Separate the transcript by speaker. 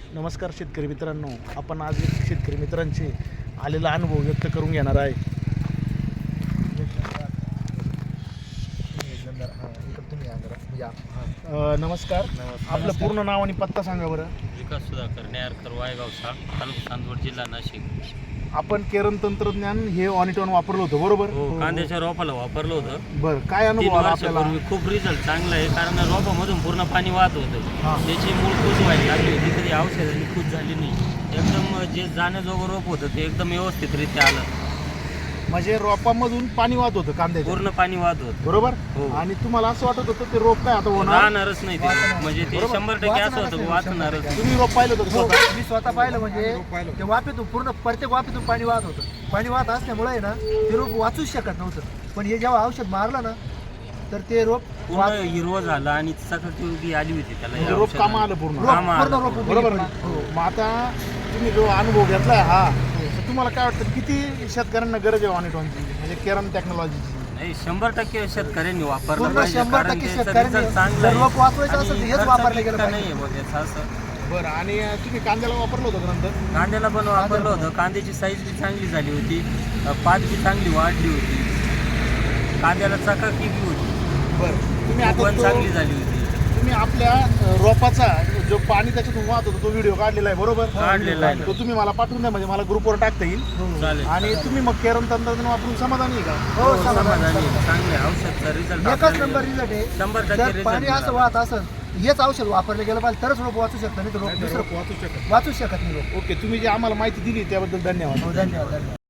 Speaker 1: नमस्कार शेतकरी मित्रांनो, आपण आज एक शेतकरी मित्रांचे आलेला अनुभव व्यक्त करून घेणार आहे. नमस्कार. आपलं पूर्ण नाव आणि पत्ता सांगा बरं.
Speaker 2: विकास सुधाकर नेरकर वायगावसा तालुका चांदवड जिल्हा नाशिक.
Speaker 1: आपण केरन तंत्रज्ञान हे ऑनिटॉन वापरलं होतं बरोबर?
Speaker 2: हो, कांद्याच्या रोपाला वापरलं होतं.
Speaker 1: बरं, काय
Speaker 2: 3
Speaker 1: अनुभव आला आपल्याला?
Speaker 2: वर्षापूर्वी खूप रिझल्ट चांगला आहे, कारण रोपामधून पूर्ण पाणी वाहत होतं.
Speaker 1: हां.
Speaker 2: त्याची मूळ कूज व्हायला लागली होती, कधी औषधांनी कूज झाली नाही. एकदम जे जाण्याजोगं रोप होतं ते एकदम व्यवस्थितरित्या आलं.
Speaker 1: म्हणजे रोपामधून पाणी वाहत होतं कांद्याचं
Speaker 2: पूर्ण पाणी वाहत होतं.
Speaker 1: बरोबर?
Speaker 2: हो.
Speaker 1: आणि तुम्हाला असं वाटत होतं ते रोप काय आता होणार?
Speaker 2: राहणारच नाही ते, म्हणजे ते 100% असं होतं की वाचणारच नाही.
Speaker 1: तुम्ही रोप पाहिलं होतं
Speaker 3: हो,
Speaker 1: स्वतः?
Speaker 3: मी स्वतः पाहिलं. म्हणजे ते वाफेतून पूर्ण प्रत्येक वाफेतून पाणी वाहत होतं. पाणी वाहत असल्यामुळे आहे ना ते रोप वाचूच शकत नव्हतं. पण हे जेव्हा औषध मारलं ना तर ते रोप
Speaker 2: पूर्ण हिरवं झालं आणि चकटकी आली होती त्याला.
Speaker 1: म्हणजे
Speaker 2: या
Speaker 1: रोप
Speaker 2: औषधाने.
Speaker 1: कामा आलं पूर्ण.
Speaker 2: कामं आलं.
Speaker 3: पूर्ण रोप
Speaker 1: बरोबर ना?
Speaker 3: हो.
Speaker 1: मग आता तुम्ही जो अनुभव घेतलाय हा, तर तुम्हाला काय वाटतं किती शेतकऱ्यांना गरज आहे ऑनिटॉनची, म्हणजे केरन टेक्नॉलॉजीची?
Speaker 2: नाही, 100% शेतकऱ्यांनी वापरलं
Speaker 3: पूर्ण
Speaker 2: पाहिजे,
Speaker 3: 100%
Speaker 2: कारण त्याचा
Speaker 3: शेतकऱ्यांनी
Speaker 2: result चांगला
Speaker 3: जर
Speaker 2: आहे.
Speaker 3: रोप वाचवायचं असेल तर
Speaker 2: आणि
Speaker 3: हेच
Speaker 2: खर्च
Speaker 3: वापरलं
Speaker 2: बी
Speaker 3: गेलं
Speaker 2: इतका
Speaker 3: पाहिजे.
Speaker 2: नाहीये बुवा त्याचा असं.
Speaker 1: बरं, आणि तुम्ही कांद्याला वापरलं होतं का नंतर?
Speaker 2: कांद्याला पण वापरलं होतं. कांद्याची साईज बी चांगली झाली होती, पात बी चांगली वाढली होती, कांद्याला चकाकी बी होती,
Speaker 1: बरं, तुम्ही आता
Speaker 2: पण चांगली
Speaker 1: तो
Speaker 2: झाली होती.
Speaker 1: तुम्ही आपल्या रोपाचा जो पाणी त्याच्यातून वाहत होता तो व्हिडिओ काढलेला आहे बरोबर?
Speaker 2: काढलेला आहे.
Speaker 1: तो तुम्ही मला पाठवून द्या, म्हणजे मला ग्रुपवर टाकता येईल.
Speaker 2: चालेल.
Speaker 1: आणि तुम्ही मग केरन तंत्रज्ञान वापरून समाधानी आहे का?
Speaker 3: हो,
Speaker 2: समाधानी आहे.
Speaker 3: समाधान.
Speaker 2: चांगले औषधचा रिझल्ट
Speaker 3: एकच नंबर रिझल्ट आहे.
Speaker 2: 100%
Speaker 3: जर
Speaker 2: result
Speaker 3: पाणी असं
Speaker 2: मिळाला.
Speaker 3: वाहत असेल हेच औषध वापरलं गेलं पाहिजे तरच रोप वाचू शकतं, नाही तर रोप दुसरं
Speaker 1: वाचू शकत.
Speaker 3: वाचू शकत नाही रोप.
Speaker 1: ओके, तुम्ही जी आम्हाला माहिती दिली त्याबद्दल धन्यवाद.
Speaker 3: हो, धन्यवाद.